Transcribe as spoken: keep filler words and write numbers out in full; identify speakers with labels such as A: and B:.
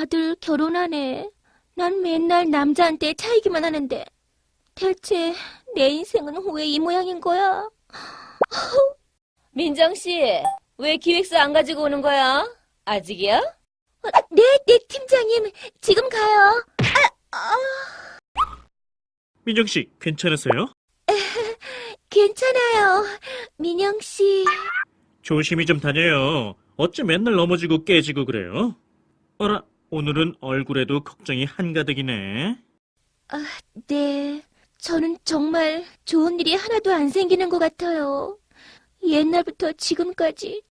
A: 다들 결혼하네. 난 맨날 남자한테 차이기만 하는데. 대체 내 인생은 왜 이 모양인 거야?
B: 민정 씨, 왜 기획서 안 가지고 오는 거야? 아직이야?
A: 어, 네, 네, 팀장님. 지금 가요.
C: 민정 씨, 괜찮으세요?
A: 괜찮아요. 민영 씨.
C: 조심히 좀 다녀요. 어째 맨날 넘어지고 깨지고 그래요? 어라, 오늘은 얼굴에도 걱정이 한가득이네.
A: 아, 네. 저는 정말 좋은 일이 하나도 안 생기는 것 같아요. 옛날부터 지금까지